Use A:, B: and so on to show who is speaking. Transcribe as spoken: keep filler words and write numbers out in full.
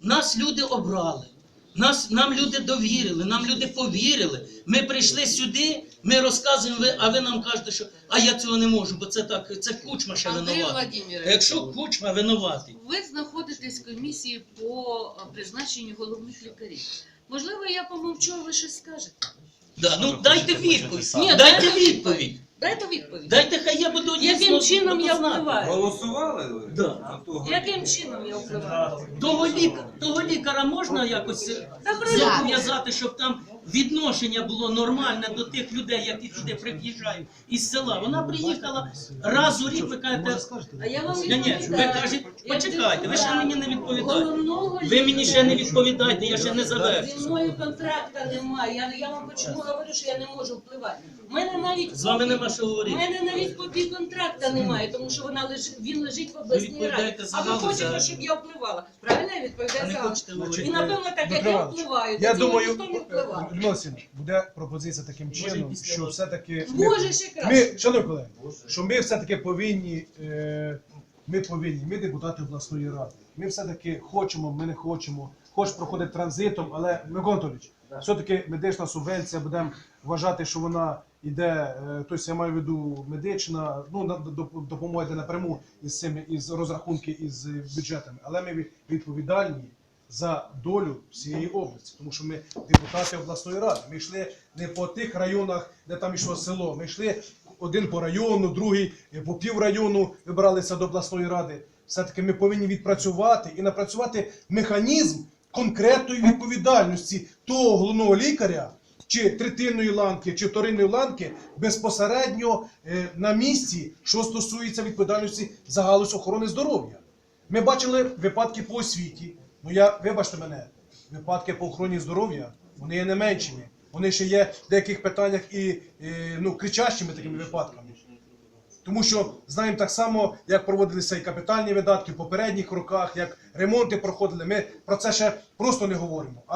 A: нас люди обрали. Нас, нам люди довірили, нам люди повірили. Ми прийшли сюди, ми розказуємо, ви, а ви нам кажете, що а я цього не можу, бо це так, це Кучма ще
B: Андрій
A: винуватий.
B: Владимирович,
A: А якщо Кучма винуватий,
B: ви знаходитесь в комісії по призначенню головних лікарів. Можливо, я помовчу, а ви щось скажете?
A: да, ну дайте відповідь.
B: Ні,
A: Дайте
B: дайте
A: відповідь.
B: Дайте відповідь.
A: Дайте, хай я буду
B: Яким
A: дійсно
B: чином я
A: знати.
B: впливаю?
C: Голосували ви?
A: Да.
C: На того
B: Яким чином я впливаю?
A: Того, ліка, того лікаря можна якось зобов'язати, щоб там відношення було нормальне до тих людей, які сюди приїжджають із села. Вона приїхала раз у рік, ви кажете,
B: А я вам
A: ні, ні, ви
B: відповідаю.
A: кажете, почекайте, ви ще мені не відповідаєте.
B: Головного
A: Ви мені ще не
B: лікаря.
A: відповідаєте, я ще не
B: Зі
A: завершив.
B: мною контракта немає. Я, я вам чому говорю, що я не можу впливати. У мене навіть
A: З вами
B: копії-
A: нема що
B: У
A: говорити.
B: мене навіть копії контракта немає, тому що вона лежить, він лежить в обласній раді.
A: відповідаєте за
B: А ви
A: галузь,
B: хочете,
A: а-
B: щоб я впливала? Правильно я
A: А
B: відповідаю
A: не
B: за
A: хочете
B: галузь.
A: говорити.
B: І напевно, так як
D: Дмитро
B: я
D: Іванович,
B: впливаю,
D: я
B: то
D: думаю,
B: ніхто не впливає.
D: Людмила Васильівна, буде пропозиція таким чином,
A: після
D: що
A: вас.
D: все-таки
B: Може, ще краще.
D: ми, шановні колеги, що ми все-таки повинні, е, ми повинні, ми депутати обласної ради, ми все-таки хочемо, ми не хочемо, хоч проходить транзитом, але, Микола Анатолійович, все-таки медична субвенція, будемо вважати, що вона йде, е, тобто я маю в виду медична, ну, на- доп- допомога йде напряму із цими, із розрахунки із бюджетами, але ми від- відповідальні за долю всієї області, тому що ми депутати обласної ради. Ми йшли не по тих районах, де там йшло село. Ми йшли один по району, другий по піврайону вибиралися до обласної ради. Все-таки ми повинні відпрацювати і напрацювати механізм конкретної відповідальності того головного лікаря, чи третинної ланки, чи вторинної ланки безпосередньо е, на місці, що стосується відповідальності за галузь охорони здоров'я. Ми бачили випадки по освіті. Ну я, вибачте мене, випадки по охороні здоров'я, вони є не меншими. Вони ще є в деяких питаннях і, е, ну, кричащими такими випадками. Тому що знаємо так само, як проводилися і капітальні видатки в попередніх роках, як ремонти проходили. Ми про це ще просто не говоримо.